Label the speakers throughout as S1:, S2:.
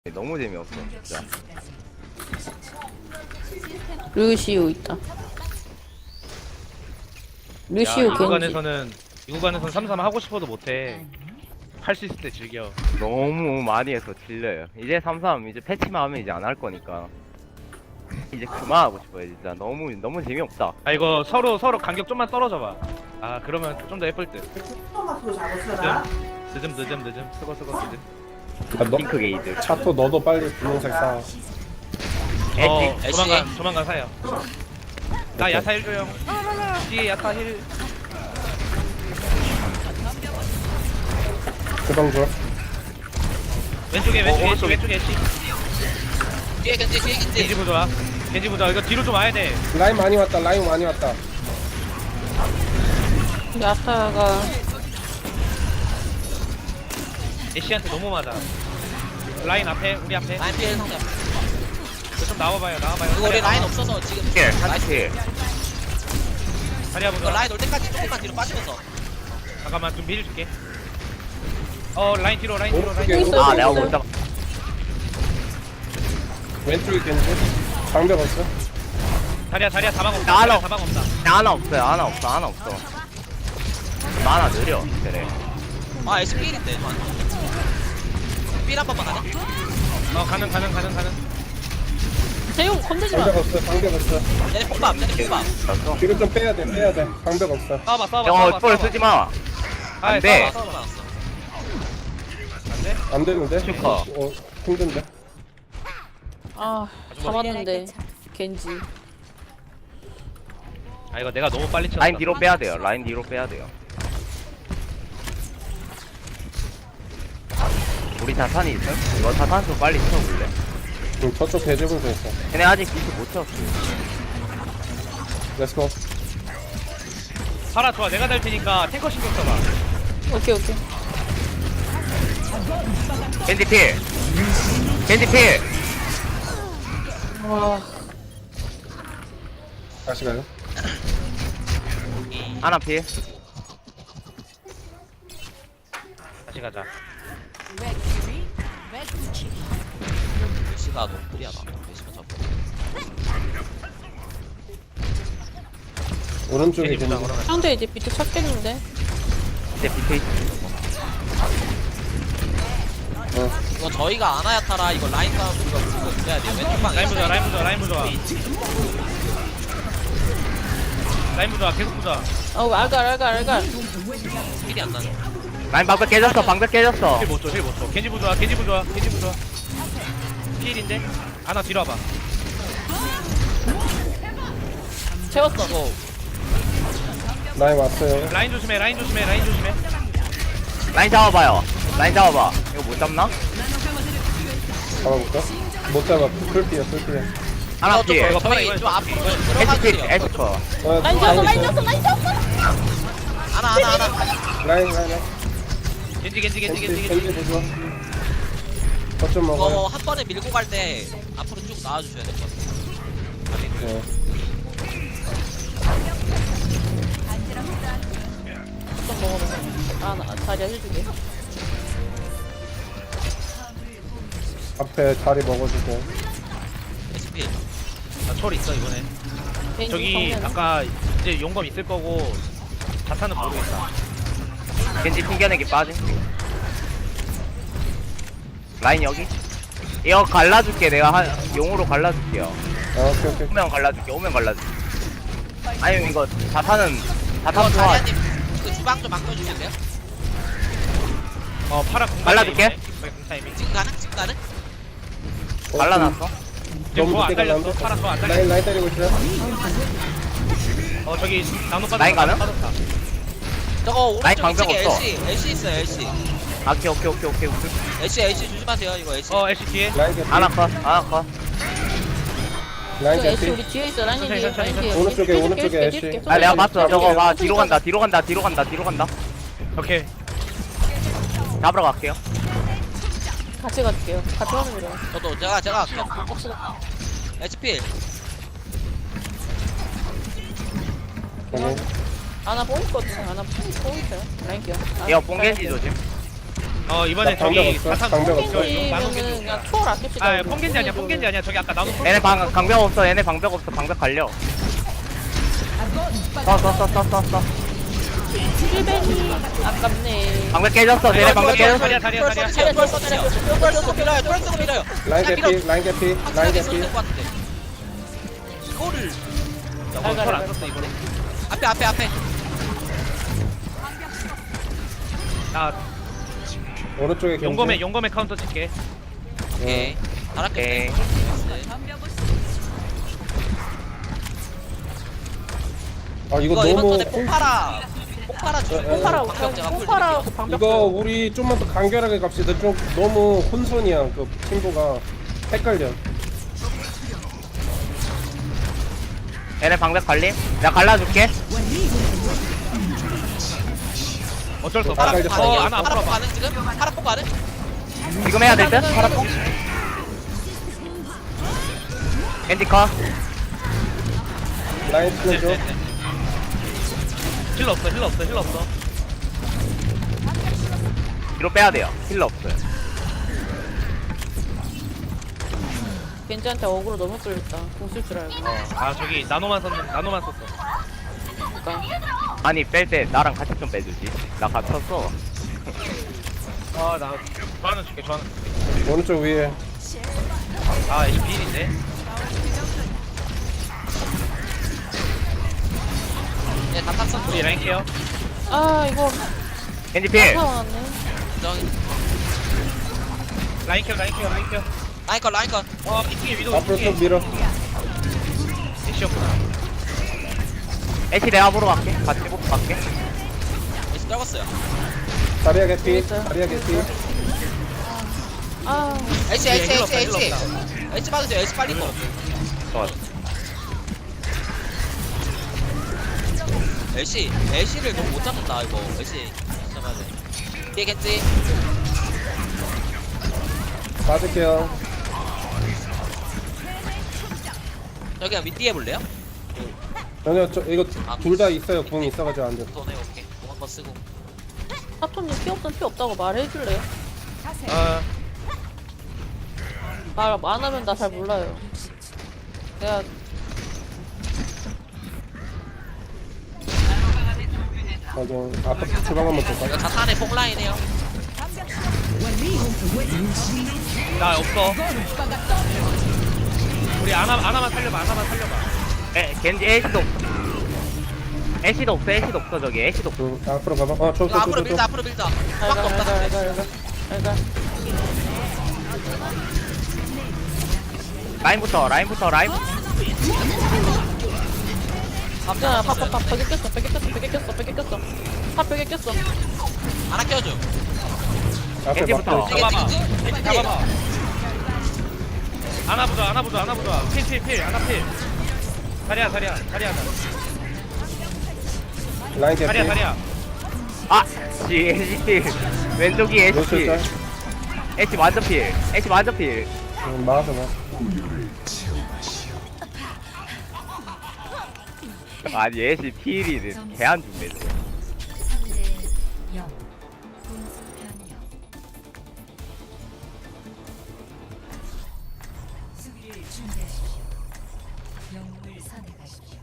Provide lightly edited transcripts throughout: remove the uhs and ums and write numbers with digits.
S1: 너무 재미없어 진짜.
S2: 루시오 있다. 루시오
S3: 이
S2: 겐지.
S3: 구간에서는 삼삼 하고 싶어도 못해. 할 수 있을 때 즐겨.
S1: 너무 많이 해서 질려요. 이제 33 이제 패치만 하면 이제 안 할 거니까 이제 그만하고 싶어요. 진짜 너무 재미없다.
S3: 아 이거 서로 간격 좀만 떨어져 봐. 아 그러면 좀 더 예쁠 듯. 늦음 쓰고 늦음.
S4: 야, 너,
S1: 핑크 게이드.
S4: 차토 너도 빨리 분홍색 사.
S3: 조만간 사요. 나 야타 1 줘요. 뒤에 야타 힐.
S4: 그방 줘.
S3: 왼쪽에
S1: 오른쪽에.
S3: 왼쪽에 애쉬.
S5: 뒤에 겐지
S3: 겐지 부좋아. 겐지 부좋아. 이거 뒤로 좀 와야 돼.
S4: 라인 많이 왔다. 라인 많이 왔다.
S2: 야타가
S3: 애쉬한테 너무 맞아. 라인 앞에 우리 앞에.
S5: 라인 피해 상대.
S3: 이거 좀 나와봐요.
S5: 이거 우리 라인 없어서 지금
S1: 힐, 한치.
S3: 자리야
S5: 이거
S3: 보자.
S5: 라인 올 때까지 조금만 뒤로 빠지면서.
S3: 잠깐만 좀 밀 줄게. 라인 뒤로.
S4: 오른쪽에
S2: 있어요.
S1: 아, 내가 못 잡아.
S4: 왼쪽에 겐지. 방벽 없어.
S3: 자리야 사방 없다.
S1: 나 하나
S3: 사방 없다.
S1: 하나 없어요. 하나 없어. 하나 느려. 그래.
S5: 아 S 필인데. 필한 번만 가자.
S3: 가는.
S2: 재용 건들지 마.
S4: 방벽 없어. 방벽 없어.
S5: 얘네 폭밥.
S1: 알았어.
S4: 뒤로 좀 빼야 돼. 방벽 없어.
S1: 형, 볼 쓰지 마. 안 돼.
S4: 안 되는데?
S1: 슈퍼.
S4: 힘든데?
S2: 아 잡았는데 겐지.
S3: 아 이거 내가 너무 빨리 쳤다.
S1: 라인 뒤로 빼야 돼요. 라인 뒤로 빼야 돼요. 우리 자탄이 있어? 이거 자탄 좀 빨리 쳐볼래?
S4: 저쪽 대제분도 있어.
S1: 걔네 아직 비트 못 쳤어.
S4: 렛츠고.
S3: 파라 좋아. 내가 될 테니까 탱커 신경 써봐.
S2: 오케이.
S1: 겐지 필.
S2: 와
S4: 다시 가요.
S1: 하나 필.
S3: 다시 가자.
S5: 시가 너무 무리하다. 시가 잡고.
S4: 오른쪽에
S3: 겐지 보자.
S4: 겐지.
S3: 그러면.
S2: 상대 이제 비트 찾겠는데.
S1: 이제 비트 있어.
S5: 이거 저희가 아나야 타라. 이거 라인 싸움 우리가 무조건 그래야 돼요. 왼쪽 방.
S3: 라인 부좋아. 계속 부좋아.
S2: 알갈.
S5: 필이 안 나네.
S1: 라인 방벽 깨졌어.
S3: 힐 못 줘. 겐지 부좋아. 필인데? 하나 뒤로 와봐.
S2: 채웠어.
S4: 라인 왔어요.
S3: 라인 조심해.
S1: 라인 잡아봐요. 이거 못 잡나?
S4: 잡아볼까? 못 잡아. 풀피야.
S1: 하나 필.
S3: 이거
S5: 저희 좀 앞으로 들어가
S1: 에스필,
S5: 주세요.
S1: 에스커.
S2: 라인 졌어.
S5: 하나.
S4: 라인.
S3: 겐지.
S4: 겐지 보조. 거점 먹어요.
S5: 이거 한 번에 밀고 갈 때 앞으로 쭉 나와주셔야 될 것 같아요.
S4: 네.
S2: 좀 먹어봐. 나 자리야 해주게.
S4: 앞에 자리 먹어주고.
S5: SP.
S3: 철 있어 이번에.
S2: 겐지
S3: 저기
S2: 정면은.
S3: 아까 이제 용검 있을 거고 자탄은 모르겠다.
S1: 겐지 튕겨내기 빠짐. 라인 여기. 이거 갈라줄게. 내가 용으로 갈라줄게요.
S4: 오케이.
S1: 오면 갈라줄게. 아니면 이거 자탄
S5: 이거
S1: 좋아.
S5: 자리아님 그 주방 좀 바꿔주실래요?
S3: 파라 공
S1: 갈라줄게.
S3: 타이밍.
S5: 지금 가능?
S1: 갈라놨어.
S3: 지금
S4: 너무
S3: 안
S4: 늦게
S3: 달렸어.
S4: 갈라는데?
S3: 파라 더안 달렸어.
S4: 라인 때리고 있어요.
S3: 저기 나무 빠졌다.
S1: 라인 가능?
S3: 빠졌다.
S5: 저거
S1: 라인
S5: 오른쪽
S1: 방벽
S5: 위쪽에
S1: 없어.
S5: LC 있어요 LC.
S1: 오케이.
S5: LC 조심하세요 이거 LC.
S3: 애쉬 뒤에.
S4: 라인 개피.
S1: 하나 컷.
S4: 라인
S2: 저 애쉬
S4: 개피.
S2: 우리 뒤에 있어. 라인 뒤에.
S3: 천천히.
S2: 라인 뒤에.
S4: 오른쪽에,
S2: 해줄게,
S4: 오른쪽에
S2: 해줄게,
S4: 애쉬.
S2: 해줄게.
S1: 아, 내가 봤어. 저거 봐. 뒤로
S2: 가.
S1: 간다.
S3: 오케이.
S1: 잡으러 갈게요.
S2: 같이 갈게요. 같이 가면 돼요.
S5: 저도 제가 할게요. HP.
S4: 오케이.
S2: 아나 뽕 있거든. 아나 뽕 있어요. 라인 기어.
S1: 이거 뽕겐지 조심.
S3: 이번에
S4: 나 방벽
S3: 저기
S4: 없어,
S3: 사탄
S4: 방벽 없어.
S2: 뽕겐지면은 그냥 초월 아낍시다.
S3: 아 뽕겐지 아니야 뽕겐지 아니야 저기 아까 나도
S1: 얘네 방벽 없어. 얘네 방벽 없어. 방벽 갈려. 써.
S2: 힐벤이 아깝네.
S1: 방벽 깨졌어. 얘네 방벽 깨졌어.
S3: 다리야
S5: 털 쓰고 밀어요. 털 쓰고 밀어요.
S4: 라인 개피, 라인 개피, 라인
S5: 확실하게
S4: 개피.
S5: 쏠것 같은데. 이거를
S3: 털안 썼어 이번에
S5: 앞에.
S3: 나
S4: 오른쪽에 겐지.
S3: 용검에 카운터 칠게
S5: 오케이.
S1: 오케이.
S5: 잘할게.
S4: 아 이거
S5: 이거 이번
S4: 너무
S5: 턴에 폭파라 주고
S2: 뽕파라
S5: 방벽 제가 풀
S2: 뽕파라고 방벽.
S4: 이거 우리 좀만 더 간결하게 갑시다. 좀 너무 혼선이야. 그 팀보가 헷갈려.
S1: 얘네 방벽 갈림. 내가 갈라줄게.
S3: 어쩔 수 없어
S4: 아, 이제
S3: 하나 앞으로
S5: 파라폭
S3: 봐
S5: 가능 지금? 파라폭 가능?
S1: 지금 해야 될 듯? 파라뽕. 겐지 컷.
S4: 라인 틀어줘.
S3: 힐러 없어
S1: 뒤로 빼야 돼요. 힐러 없어요.
S2: 겐지한테 어그로 너무 끌렸다. 공쓸 줄 알고.
S3: 아 저기 나노만 썼어
S2: 그러니까.
S1: 아니 뺄 때 나랑 같이 좀 빼주지. 나 갇혔어.
S3: 아나 좋아하는 줄게 좋아하는
S4: 오른쪽 위에.
S3: 이 비일인데
S5: 네, 다 탔어.
S3: 우리 라인 케어
S2: 아 이거
S1: 겐지 필.
S2: 나왔네.
S5: 정이.
S3: 라인 케어
S5: 라인 컷.
S3: 2층에 위도
S4: 앞으로 쭉 밀어.
S3: 애쉬였구나
S1: 애쉬 내가 보러 갈게. 같이 보고 갈게.
S5: 에이스 떨궜어요.
S4: 다리야 개피,
S2: 있어요.
S4: 다리야 개피.
S2: 아
S5: 에이스
S3: 힐러 없다.
S5: 에이스 받으세요. 에이스 빨리 거.
S1: 좋아.
S5: 애쉬를 너무 못 잡는다 이거. 애쉬 잡아야 돼. 뒤에 겠지?
S4: 맞을게요.
S5: 저기야 밑 뒤에 볼래요?
S4: 전혀 이거 둘 다 있어요. 궁 있어가지고 안 돼.
S5: 돈에 오케이. 공 한번 쓰고.
S2: 사토님 피 없으면 피 없다고 말해줄래요?
S3: 어
S2: 말 안 하면 나 잘 몰라요. 내가
S4: 맞아. 아까 주방 한번 볼까?
S5: 이거 자탄의 폭라인이에요.
S3: 나 없어 우리 아나만 살려봐
S1: 겐지 애쉬도 없어. 애쉬도 없어 저기. 애쉬도 없어.
S4: 응. 앞으로 가봐.
S5: 이거 앞으로 밀자. 밖에 없다. 근데.
S2: 알가.
S1: 라인부터.
S2: 야, 벽에 꼈어. 벽에 꼈어.
S5: 하나 껴줘.
S4: 앞에
S1: 겐지부터.
S4: 막혀.
S3: 잡아봐
S5: 겐지.
S3: 잡아봐 하나 보자 필 하나 필 다리야
S4: 라인 개피.
S3: 다리야
S1: 아, 애쉬 필. 왼쪽이 애쉬
S4: 노출
S1: 필.
S4: 짤.
S1: 애쉬 완전 필.
S4: 막아서.
S1: 아니 애쉬 필이 개안 준대.
S6: 3대 0. 공수 변경. 수비를 준비하십시오. 영웅을 선택하십시오.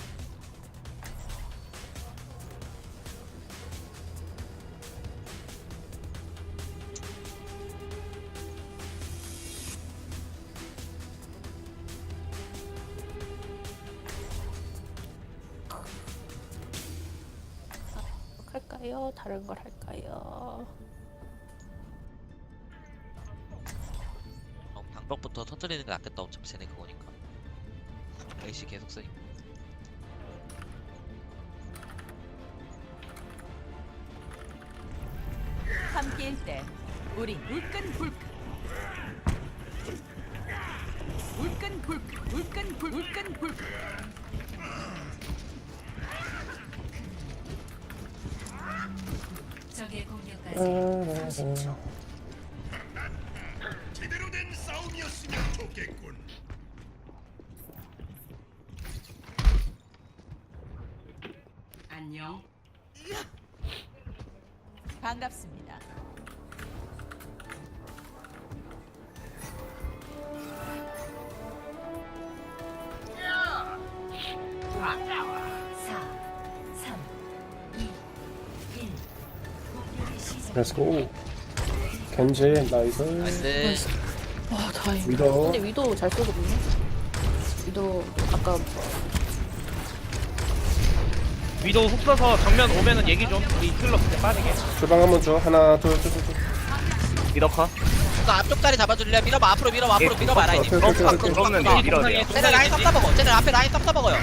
S2: 할까요? 다른 걸 할까요?
S5: 방벽부터 터뜨리는 게 낫겠다. 어차피 쟤네 그거니까. 에이씨 계속 쓰니.
S7: 함께일 때 우리 울끈불끈 울끈불끈
S6: 적의 공격까지 30초.
S7: 안녕. 반갑습니다.
S6: 3, 2, 1. 공격이 시작.
S4: 렛츠고. 겐지 나이스.
S5: 나이스.
S2: 와 다행.
S4: 위도.
S2: 근데 위도 잘 쏘거든요. 위도 아까
S3: 위도 훅 써서 정면 오면은 얘기 좀. 우리 힐러 그때 빠지게.
S4: 주방 한번 줘. 하나 둘셋.
S1: 미더커.
S5: 그 앞쪽 다리 잡아줄래? 밀어봐 앞으로 밀어봐 앞으로 밀어봐 라인.
S4: 오케이, 오케이, 오케이, 오케이.
S1: 그러면 밀어야 돼요.
S5: 쟤네 라인 쌈 싸먹어. 쟤네 앞에 라인 쌈 싸먹어요.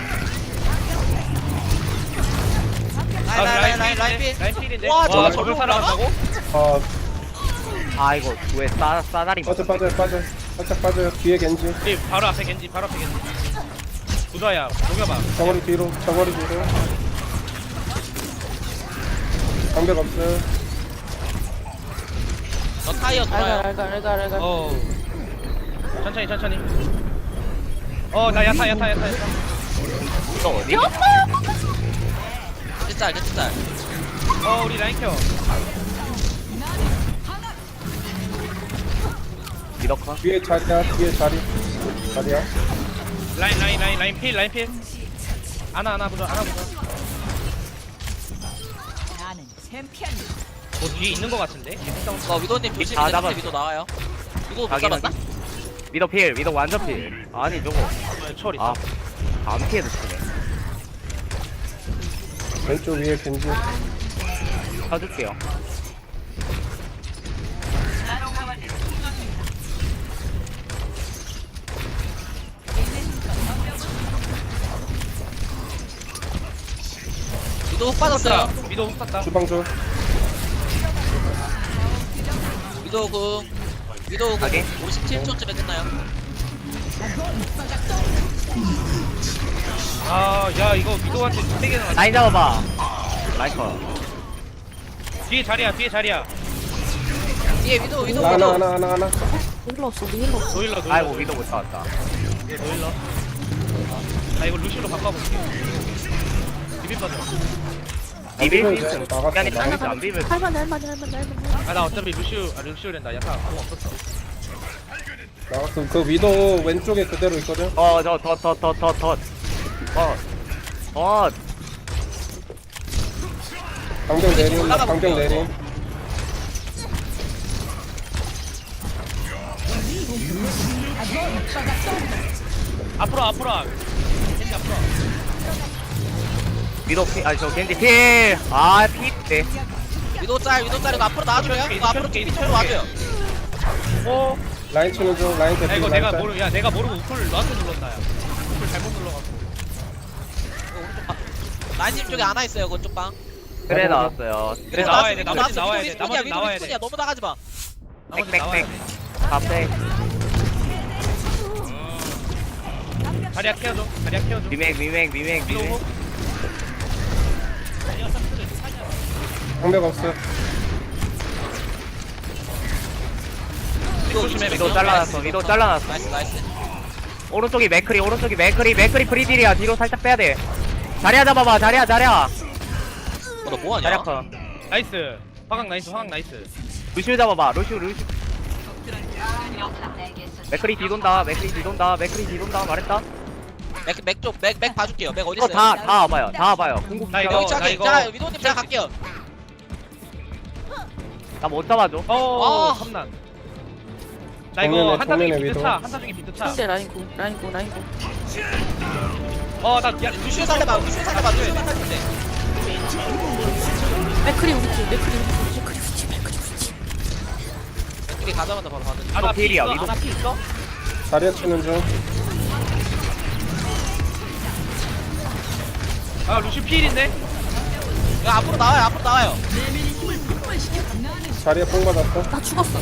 S5: 라인 필.
S3: 라인 필인데.
S5: 와, 저거
S3: 저걸
S5: 저걸
S3: 살아간다고?
S4: 아
S1: 아 이거 왜 싸다리
S4: 빠져. 살짝 빠져요. 뒤에 겐지.
S3: 우리 바로 앞에 겐지. 부자야. 녹여봐.
S4: 저거리 뒤로. 방벽 없어요.
S5: 저 타이어 돌아요.
S2: 알갈.
S3: 어. 천천히. 나 야타.
S1: 이거 어디?
S5: 짤.
S3: 우리 라인 켜.
S1: 미더커.
S4: 뒤에 자리야.
S3: 라인 필. 하나 보자.
S7: 나는 챔피언.
S3: 뭐 뒤에 있는 거 같은데?
S5: 위도님 조심.
S1: 다 잡았어.
S5: 위도 나와요. 위도 못
S1: 자기는
S5: 잡았나?
S1: 미더 필. 미더 완전 필. 아니 저거.
S3: 철 있어.
S1: 아. 안 피해도 치네.
S4: 왼쪽 위에 겐지.
S1: 사줄게요.
S5: 위도 훅 빠졌어요.
S3: 위도 훅 쐈다.
S4: 주방 줘.
S5: 위도
S1: 가게?
S5: 57초쯤에 끝나요.
S3: 야 이거 위도한테 2개나 맞
S1: 라인 잡아봐. 라이커.
S3: 뒤에 자리야.
S5: 뒤에 위도.
S4: 하나.
S2: 힐러 없어. 우리 힐러 없어.
S3: 노일러.
S1: 아이고 미더 못 잡았다.
S3: 노일러. 나 이거 루시로 바꿔볼게. 비빔 빠져.
S1: 비빌 수
S4: 이거
S1: 있음.
S4: 나갔어,
S1: 시간이
S4: 나갔어.
S1: 걸리지 안 비빌.
S2: 할만해.
S3: 나 어차피 루시오랜다. 야타 아무 없었어.
S4: 나갔어. 그 위도 왼쪽에 그대로 있거든. 방벽 내림.
S3: 앞으로. 겐지 앞으로.
S1: 미더 필. 아니 저 겐지 필. 아 필. 네.
S5: 위도 짤 이거 앞으로 나와줘요. 이거 앞으로 뒤로 와줘요.
S4: 라인 치는 중. 라인
S3: 야
S4: 대피.
S3: 이거
S4: 라인
S3: 내가 모르고 우클 너한테 눌렀다. 야. 우클 잘못 눌러갖고.
S5: 라인님 쪽에 안와 있어요. 그쪽 방.
S1: 그래 나왔어요. 그래
S3: 나와야 돼,
S1: 나왔어.
S3: 나와야 돼. 나머지 나와야 돼.
S5: 너무 나가지 마.
S3: 나머지 나와야 돼.
S1: 앞에
S3: 자리야 케어줘.
S1: 미맥.
S3: 위도 훅.
S4: 방벽 없어.
S5: 조심해.
S1: 위도 잘라놨어.
S5: 나이스.
S1: 오른쪽이 맥크리 프리딜이야. 뒤로 살짝 빼야 돼. 자리야 잡아봐. 자리야.
S5: 너 뭐하냐?
S1: 자리야 커.
S3: 나이스. 화강 나이스.
S1: 루시우 잡아봐. 루시우. 맥크리 뒤돈다. 말했다.
S5: 맥 봐줄게요. 맥 어디
S1: 이거
S5: 있어요?
S1: 다 와봐요. 궁극
S3: 나 이거-
S5: 여기 차게.
S3: 이거-
S5: 자, 위도님 제가 갈게요.
S1: 나못 잡아줘.
S5: 아.
S3: 험난. 나 이거 한타 중에
S4: 정면에
S3: 비트 차.
S2: 상대 라인고.
S3: 나
S5: 루시오 살려봐. 루시오 살려봐.
S2: 맥크리 우리 팀.
S5: 우리 가자마자 바로 가는.
S1: 위도 필이야. 위도
S3: 하나 피 있어?
S4: 자리야 치는 중.
S3: 루시 필인데?
S5: 야 앞으로 나와요.
S4: 자리야 뽕 받았어.
S2: 나 죽었어.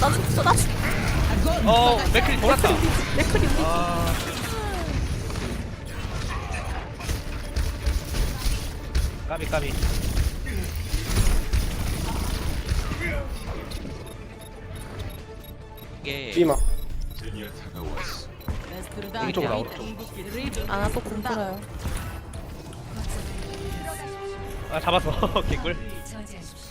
S3: 맥클이 돌았다.
S2: 맥크리 우리 팀.
S3: 까비.
S5: 이게
S4: 찌마.
S3: 오른쪽으로 나오라.
S2: 아나 또 공풀어요.
S3: 잡았어. 개꿀.
S6: 저지하십시오.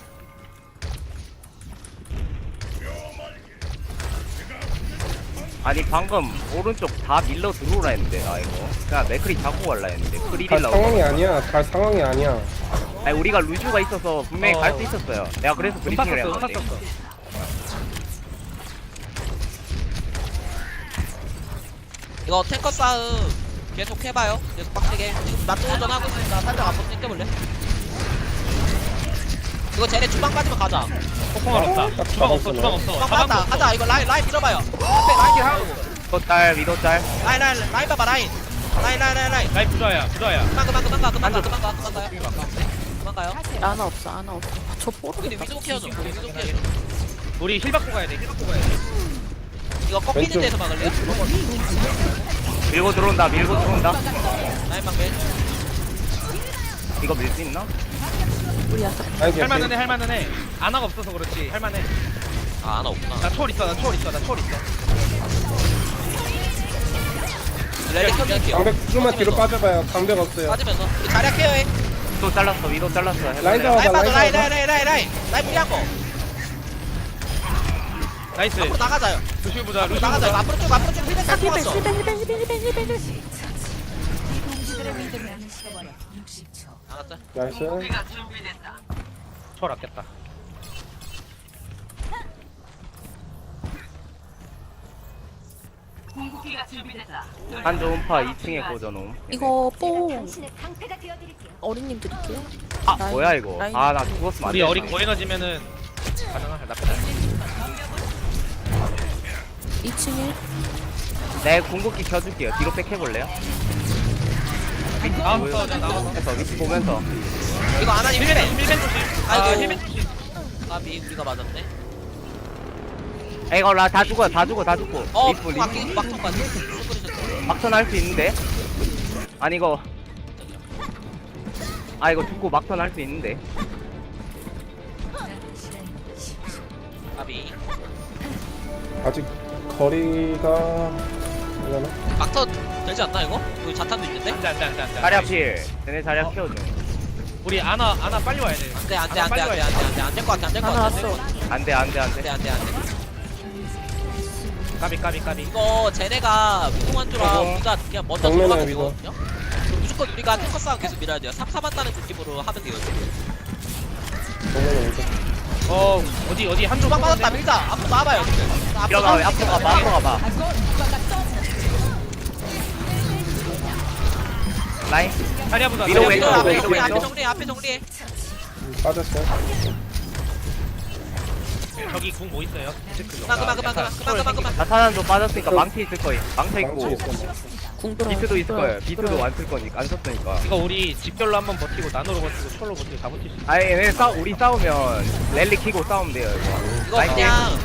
S1: 아니 방금 오른쪽 다 밀러 들어오라 했는데 나 이거 그냥 맥크리 잡고 갈라 했는데
S4: 갈
S1: 프리딜라고.
S4: 상황이 아니야. 갈 상황이 아니야.
S1: 아니 우리가 루즈가 있어서 분명히 갈 수 있었어요. 내가 그래서
S3: 음파
S1: 브리핑을
S3: 썼어,
S1: 한
S3: 음파
S1: 건데.
S3: 썼어.
S5: 이거 탱커 싸움 계속 해봐요. 계속 빡세게. 지금 맞도전 하고 있으니까 살짝 앞으로 당겨볼래? 이거 쟤네 주방 빠지면 가자.
S3: 폭풍알 없다.
S4: 딱
S3: 주방 없어,
S4: 잡았어,
S3: 주방 없어.
S5: 주방 빠졌다. 가자. 이거 라인 밀어봐요. 앞에 라인 하고.
S1: 위도 짤 위도 짤.
S5: 라인 봐봐 라인. 라인.
S3: 라인 부자야, 부자야.
S5: 그만 가요.
S2: 아나 없어 아나 없어. 저
S5: 우리
S2: 모르겠다.
S5: 위도 케어줘. 우리 위도 케어줘.
S3: 우리 힐 받고 가야 돼, 힐 받고 가야 돼.
S5: 이거 꺾이는
S4: 왼쪽.
S5: 데서 막을래요?
S1: 밀고 들어온다.
S5: 라인 방배.
S1: 이거 밀 수 있나?
S2: 우리 야타.
S4: 라인 개피.
S3: 할만은 해, 할만은 해. 아나가 없어서 그렇지, 할만해.
S5: 아 하나 없구나.
S3: 나 초월 있어, 나 초월 있어.
S5: 렐리 켜줄게요.
S4: 방벽 좀만 뒤로 빠져봐요. 방벽 없어요.
S5: 빠지면서 우리 자리야 케어해.
S1: 위도 잘랐어.
S4: 라인 잡아봐.
S5: 라인 봐줘.
S4: 라인 잡아봐.
S5: 라인 무리한 거.
S3: 나이스.
S5: 앞으로 나가자요.
S3: 루시우 부자,
S5: 앞으로
S3: 루시우
S5: 나가자요.
S3: 부자.
S5: 앞으로 쭉 힐백 잘 뽑았어.
S6: 공주들의 믿음을 식어버려. 60초.
S5: 나갔자.
S4: 나이스.
S3: 초월 아꼈다.
S1: 한조 음파 2층에 꽂아놓음.
S2: 이거 뽕
S6: 당신의 강패가 되어드릴게요.
S2: 어린님 드릴게요.
S1: 아
S2: 라인,
S1: 뭐야 이거.
S2: 라인.
S1: 아 나 죽었으면 안
S3: 우리
S1: 돼.
S3: 어린 고에너지면은 가능할 나쁘지 않아.
S2: 2층에
S1: 내 궁극기 켜줄게요. 뒤로 백 해볼래요?
S3: 나와서 나와서.
S1: 해서 위치 보면서.
S5: 이거 아나님
S3: 힐벤,
S5: 힐백.
S3: 힐벤 조심.
S5: 아이고.
S3: 아, 힐벤 조심.
S5: 까비 우리가 맞았네.
S1: 이거 다 죽어. 리프
S5: 막기 막통까지. 슈퍼리셨어.
S1: 막턴 할 수 있는데. 아니 이거. 아 이거 죽고 막턴 할 수 있는데.
S6: 남은 시간 10초.
S5: 까비.
S4: 아직 거리가 되려나?
S5: 막터 되지 않나 이거? 여기 자탄도 있는데?
S3: 안돼.
S1: 자리 앞필. 쟤네 자리 앞 키워줘.
S3: 우리 아나 빨리 와야 돼.
S5: 안돼
S3: 아나 빨리 와야 돼.
S5: 안될것 같아 안될것
S2: 아나
S5: 같아
S2: 왔어.
S1: 안돼.
S5: 안돼.
S3: 까비.
S5: 이거 쟤네가 무궁한주랑
S1: 어허.
S5: 우리가 그냥 먼저
S4: 정면에
S5: 들어가면
S4: 위도.
S5: 되거든요? 그럼 무조건 우리가 탱커 싸움 계속 밀어야 돼요 3-4 한다는 느낌으로 하면 돼요 지금
S4: 정면에 오죠.
S3: 어디 한쪽
S5: 주방 빠졌다 밀자 앞으로 나와봐요 지금 앞으로
S1: 들어가. 앞으로 가봐. 라인.
S3: 자리야 보자.
S1: 위로
S3: 자리야
S1: 왼쪽,
S3: 보자.
S1: 왼쪽, 왼쪽.
S5: 앞에 정리해
S4: 빠졌어요.
S3: 저기 궁 뭐 있어요?
S5: 그만
S1: 나타난도 빠졌으니까 망치 있을 거임. 망쳐
S4: 망치
S1: 있고.
S4: 있어.
S2: 궁 들어.
S1: 비트도 있을 거예요. 비트도 안 쓸 거니까 안 썼으니까.
S3: 이거 우리 집결로 한번 버티고 나노로 버티고 철로 버티고 다 버틸 수 있어.
S1: 아니 얘네 우리 싸우면 랠리 키고 싸우면 돼요 이거.
S5: 이거
S1: 라인
S5: 그냥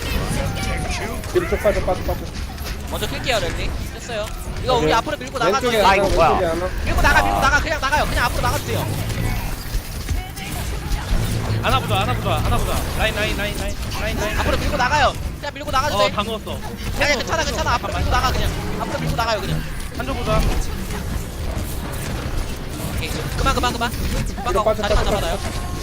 S4: 뒤로 쭉 빠져.
S5: 먼저 킬게요 랠리 됐어요 이거 우리 앞으로 밀고 나가죠
S4: 왼쪽에
S1: 아,
S4: 하나,
S1: 이거 뭐야?
S4: 왼쪽에 하나.
S5: 밀고 나가 그냥 나가요 그냥 앞으로 나가주세요
S3: 아나 보자. 라인.
S5: 앞으로 밀고 나가요 그냥 밀고 나가주세요
S3: 다 넣었어.
S5: 그냥 괜찮아 앞으로 밀고 나가 그냥 앞으로 밀고 나가요 그냥
S3: 한쪽 보자.
S5: 오케이 그만
S4: 뒤로 빠져.
S5: 자리만 잡아놔요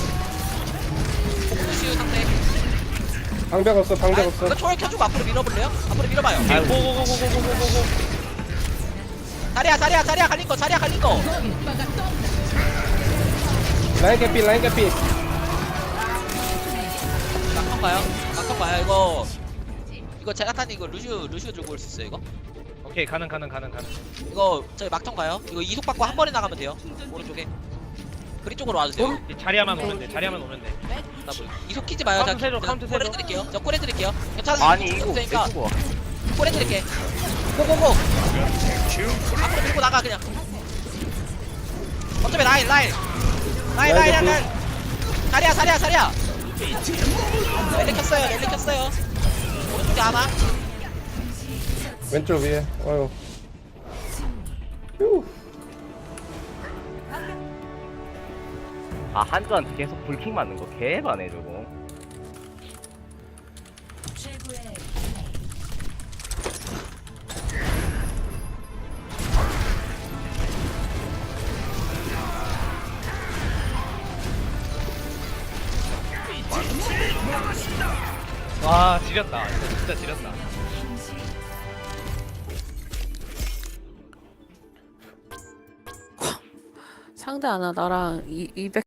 S5: 포크시우 상대
S4: 방벽 없어. 방벽
S5: 이거
S4: 없어.
S5: 초월 켜주고 앞으로 밀어볼래요? 앞으로 밀어봐요
S3: 고고고고고고고고.
S5: 자리야 갈린 거
S4: 라인 개피.
S5: 막턴 가요 이거 제라탄이 이거 루시오 들고 올 수 있어요 이거?
S3: 오케이 가능.
S5: 이거 저희 막턴 가요 이거 이속 받고 한 번에 나가면 돼요 오른쪽에 그리 쪽으로 와주세요
S3: 이 자리야만 오면 돼.
S5: 나 뭐, 이속 키지 마요
S3: 카운트 세줘, 카운트 세줘.
S5: 저 콜 해드릴게요 괜찮아요
S1: 아니 이거
S5: 되니까
S1: 이거.
S5: 콜 해드릴게 고고고 앞으로 밀고 나가 그냥 어차피 라인 자리야 랠리 켰어요 오른쪽에 하나
S4: 왼쪽 위에. 어휴. 휴.
S1: 아 한조한테 계속 불킹 맞는 거 개반해 저거.
S6: 최고의
S3: 와 지렸다. 이거 진짜 지렸다.
S2: 상대 하나 나랑 200